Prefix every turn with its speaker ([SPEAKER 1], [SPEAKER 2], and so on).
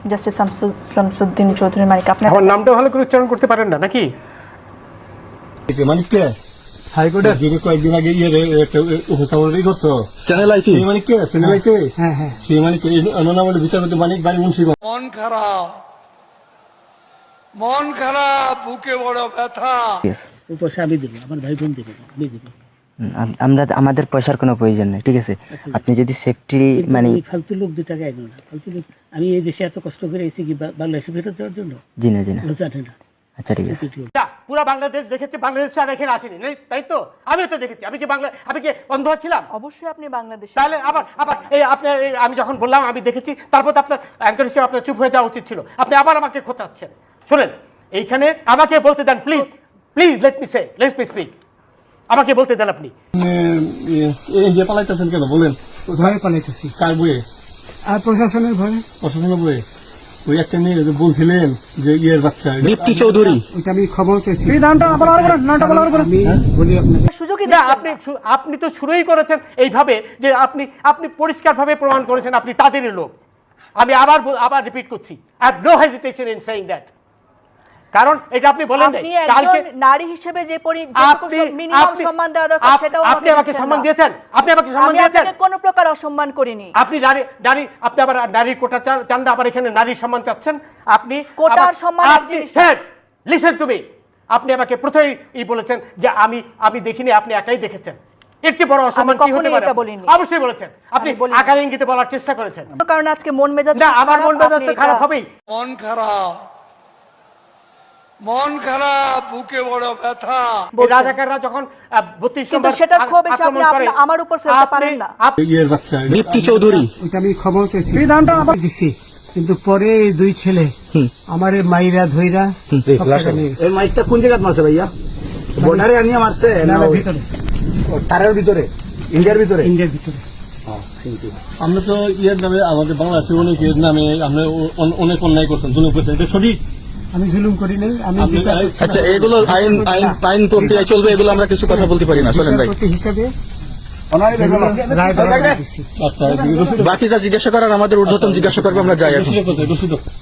[SPEAKER 1] Justice Shamsuddin Chowdhury মানিক। আপনি
[SPEAKER 2] আমার নামটা ভালো করে উচ্চারণ করতে পারেন না নাকি?
[SPEAKER 3] মানিক কে হাইকোর্টের যিনি কয়েকদিন আগে উপস্থাপনাই করছো চ্যানেল আইছি মানিক কে চ্যানেল আইছে। হ্যাঁ হ্যাঁ সেই মানিক অননামলে বিচারপতি মানিক বাড়ি মুন্সিগঞ্জ।
[SPEAKER 4] মন খারাপ বুকে বড় ব্যথা।
[SPEAKER 5] পয়সা আমি দেবো, আমার ভাই বোন দেবে, আমি দেবো।
[SPEAKER 6] আমরা আমাদের পয়সার কোনো প্রয়োজন নেই, ঠিক আছে? আপনি যদি সেফটি মানে
[SPEAKER 5] ফালতু লোক 2 টাকা এনো না, ফালতু লোক। আমি এই দেশে এত কষ্ট করে এসেছি কি বাংলাদেশে ফেরত দেওয়ার জন্য?
[SPEAKER 6] জি না
[SPEAKER 5] জানে না।
[SPEAKER 6] আচ্ছা ঠিক আছে।
[SPEAKER 2] পুরো বাংলাদেশ দেখেছে, বাংলাদেশ আর এখানে আসেনি, তাই তো? আমিও তো দেখেছি। আমি কি অন্ধ ছিলাম?
[SPEAKER 1] অবশ্যই আপনি বাংলাদেশে।
[SPEAKER 2] তাহলে আবার এই আপনি আমি যখন বললাম আমি দেখেছি, তারপর তো আপনার অ্যাঙ্কার হিসেবে আপনার চুপ হয়ে যাওয়া উচিত ছিল। আপনি আবার আমাকে খোঁচাচ্ছেন। শুনেন, এইখানে আমাকে বলতে দেন please, please let me speak. আমাকে বলতে দেন আপনি।
[SPEAKER 3] এই যে পালাইতেছেন কেন বলেন?
[SPEAKER 5] ভয়ে পালাইতেছি।
[SPEAKER 3] কার বইয়ে?
[SPEAKER 5] আর প্রশাসনের ভয়ে।
[SPEAKER 3] প্রশাসনের বইয়ে? ওই একটা মেয়ে যে বলছিলেন যে ইয়ের বাচ্চা
[SPEAKER 5] দীপ্তি চৌধুরী, ওইটা আমি খবর চাইছি। নামটা আমি বলি আপনাকে
[SPEAKER 1] সুযোগই
[SPEAKER 2] না,
[SPEAKER 1] দিচ্ছেন না।
[SPEAKER 2] আপনি তো শুরুই করেছেন এইভাবে যে আপনি পরিষ্কারভাবে প্রমাণ করেছেন আপনি তাদেরই লোক। আমি আবার রিপিট করছি, I have no hesitation in saying that. কারণ এটা আপনি বলেন
[SPEAKER 1] কালকে নারী হিসেবে যে মিনিমাম সম্মান দেওয়া দরকার সেটাও
[SPEAKER 2] আপনি আমাকে সম্মান দিয়েছেন। আপনি আমাকে সম্মান দিয়েছেন।
[SPEAKER 1] আমি কোনো প্রকার অসম্মান করিনি।
[SPEAKER 2] আপনি আপনি আবার নারীর কোটা চান না, আবার এখানে নারীর সম্মান চাচ্ছেন। আপনি
[SPEAKER 1] কোটার সম্মান
[SPEAKER 2] স্যার লিসেন টু মি। আপনি আমাকে প্রথমেই বলেছেন যে আমি দেখিনি, আপনি একাই দেখেছেন। এর চেয়ে বড় অসম্মান কি হতে পারে? অবশ্যই বলেছেন। আপনি আকার ইঙ্গিতে বলার চেষ্টা করেছেন।
[SPEAKER 1] কারণ আজকে মন মেজাজ
[SPEAKER 2] না, আমার মন মেজাজ তো খারাপ হবেই।
[SPEAKER 4] মন খারাপ বুকে বড় ব্যথা।
[SPEAKER 2] রাজাকাররা যখন 32
[SPEAKER 1] কিন্তু
[SPEAKER 2] নম্বর
[SPEAKER 1] সেটা খুব বেশি আপনি আমার উপর ফেলতে পারেন না।
[SPEAKER 3] ইয়ের বাচ্চা
[SPEAKER 5] দীপ্তি চৌধুরী, ওইটা আমি খবর চাইছি। নামটা আবার দিছি, কিন্তু পরে এই 2 ছেলে আমারে মাইরা ধইরা
[SPEAKER 7] এই মাইকটা কোন জায়গায় মারছে ভাইয়া? বর্ডারে আনিয়ে মারছে না
[SPEAKER 5] ভিতরে?
[SPEAKER 7] তারের ভিতরে, ইন্ডিয়ার ভিতরে?
[SPEAKER 5] ইন্ডিয়ার ভিতরে।
[SPEAKER 3] আমরা তো ইয়ের নামে আমাদের বাংলাদেশের অনেক ইয়ের নামে আমরা অনেক অন্যায় করছেন, জুলুম করছেন, এটা সঠিক?
[SPEAKER 5] আমি জুলুম করি নাই। আমি
[SPEAKER 7] আচ্ছা, এগুলো আইন প্রক্রিয়ায় চলবে, এগুলো আমরা কিছু কথা বলতে পারি না। চলেন ভাই,
[SPEAKER 5] হিসাবে
[SPEAKER 3] আচ্ছা
[SPEAKER 7] বাকি যা জিজ্ঞাসা করার আমাদের ঊর্ধ্বতন জিজ্ঞাসা করবে, আমরা যাই এখন।